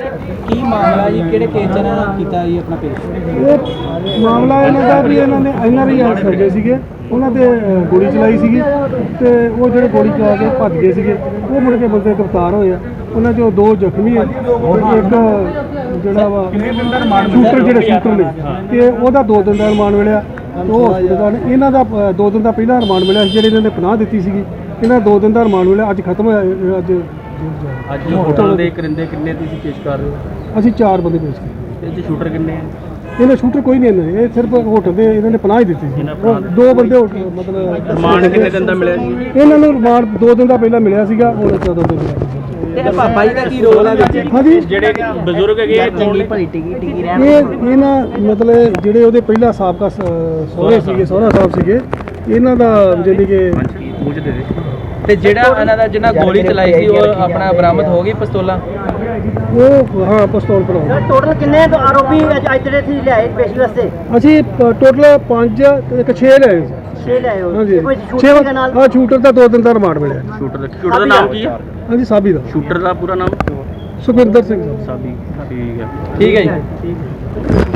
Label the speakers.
Speaker 1: ਕੀ ਮਾਮਲਾ ਜੀ, ਕਿਹੜੇ ਕੇਸ ਚ ਇਹਨਾਂ ਨੇ ਕੀਤਾ ਜੀ ਆਪਣਾ ਪੇਸ਼?
Speaker 2: ਇਹ ਮਾਮਲਾ ਇਹਨਾਂ ਦਾ ਵੀ ਇਹਨਾਂ ਨੇ NRI ਸਰਜੇ ਸੀਗੇ, ਉਹਨਾਂ ਤੇ ਗੋਲੀ ਚਲਾਈ ਸੀਗੀ ਤੇ ਉਹ ਜਿਹੜੇ ਗੋਲੀ ਚਲਾ ਕੇ ਭੱਜ ਗਏ ਸੀਗੇ, ਉਹ ਮੁੜ ਕੇ ਬੰਦੇ ਗ੍ਰਿਫਤਾਰ ਹੋਏ ਆ। ਉਹਨਾਂ ਚੋਂ 2 ਜ਼ਖਮੀ ਆ, ਇੱਕ ਜਿਹੜਾ ਵਾ ਸ਼ੂਟਰ ਨੇ ਤੇ ਉਹਦਾ 2 ਦਿਨ ਦਾ ਰਿਮਾਂਡ ਮਿਲਿਆ। ਉਹ ਇਹਨਾਂ ਦਾ 2 ਦਿਨ ਦਾ ਪਹਿਲਾਂ ਰਿਮਾਂਡ ਮਿਲਿਆ, ਜਿਹੜੇ ਇਹਨਾਂ ਨੇ ਪਨਾਹ ਦਿੱਤੀ ਸੀਗੀ, ਇਹਨਾਂ ਦਾ 2 ਦਿਨ ਦਾ ਰਿਮਾਂਡ ਮਿਲਿਆ। ਅੱਜ ਖਤਮ ਹੋਇਆ।
Speaker 1: ਅੱਜ ਹੋਟਲ ਦੇ ਕਰਿੰਦੇ ਕਿੰਨੇ ਤੁਸੀਂ ਪੇਸ਼ ਕਰ ਰਹੇ ਹੋ?
Speaker 2: ਅਸੀਂ 4 ਬੰਦੇ ਪੇਸ਼ ਕੀਤੇ।
Speaker 1: ਇਹ 'ਚ ਸ਼ੂਟਰ ਕਿੰਨੇ ਆ?
Speaker 2: ਇਹਨਾਂ ਸ਼ੂਟਰ ਕੋਈ ਨਹੀਂ, ਇਹਨਾਂ ਇਹ ਸਿਰਫ ਹੋਟਲ ਦੇ ਇਹਨਾਂ ਨੇ ਪਨਾਹ ਹੀ ਦਿੱਤੀ ਸੀ। 2 ਬੰਦੇ ਮਤਲਬ
Speaker 1: ਰਿਮਾਂਡ ਕਿੰਨੇ ਦਿਨ ਦਾ ਮਿਲਿਆ ਜੀ?
Speaker 2: ਇਹਨਾਂ ਨੂੰ ਰਿਮਾਂਡ 2 ਦਿਨ ਦਾ ਪਹਿਲਾਂ ਮਿਲਿਆ ਸੀਗਾ, ਹੁਣ 14 ਦਿਨ ਮਿਲਿਆ।
Speaker 1: ਤੇ ਪਾਪਾ ਜੀ ਦਾ ਕੀ ਰੋਲ ਹੈ ਵਿੱਚ?
Speaker 2: ਹਾਂਜੀ,
Speaker 1: ਜਿਹੜੇ ਬਜ਼ੁਰਗ ਹੈਗੇ ਚੰਗੀ ਭਲੀ ਟਿਕੀ ਰਹਿਣ
Speaker 2: ਇਹ ਨਾ ਮਤਲਬ ਜਿਹੜੇ ਉਹਦੇ ਪਹਿਲਾਂ ਸਾਬਕਾ ਸਹੁਰੇ ਸੀਗੇ, ਸਹੁਰਾ ਸਾਹਿਬ ਸੀਗੇ, ਇਹਨਾਂ ਦਾ ਜਾਨੀ ਕਿ
Speaker 1: ਤੇ ਜਿਹੜਾ ਇਹਨਾਂ ਦਾ ਜਿਹਨਾਂ ਗੋਲੀ ਚਲਾਈ ਸੀ ਉਹ ਆਪਣਾ ਬਰਾਮਦ ਹੋ ਗਈ ਪਿਸਤੌਲਾਂ?
Speaker 2: ਉਹ ਹਾਂ ਪਿਸਤੌਲ ਭਰਾ।
Speaker 3: ਟੋਟਲ ਕਿੰਨੇ ਆਰੋਪੀ ਅੱਜ ਦੇ ਸੀ ਲਿਆਏ ਪੇਸ਼ੀ ਵਾਸਤੇ?
Speaker 2: ਅਸੀਂ ਟੋਟਲ 5 ਤੇ 6 ਲਏ ਸੀ।
Speaker 3: 6 ਲਿਆਏ ਹੋ।
Speaker 2: ਹਾਂਜੀ,
Speaker 3: ਕੋਈ
Speaker 2: 6
Speaker 3: ਸ਼ੂਟਿੰਗ ਦੇ ਨਾਲ
Speaker 2: ਸ਼ੂਟਰ ਦਾ 2 ਦਿਨ ਦਾ ਰਿਮਾਂਡ ਮਿਲਿਆ।
Speaker 1: ਸ਼ੂਟਰ ਦਾ ਨਾਮ ਕੀ ਹੈ?
Speaker 2: ਹਾਂਜੀ, ਸਾਬੀ ਦਾ।
Speaker 1: ਸ਼ੂਟਰ ਦਾ ਪੂਰਾ ਨਾਮ?
Speaker 2: ਸੁਖਵਿੰਦਰ ਸਿੰਘ
Speaker 1: ਸਾਬੀ। ਠੀਕ ਹੈ ਜੀ।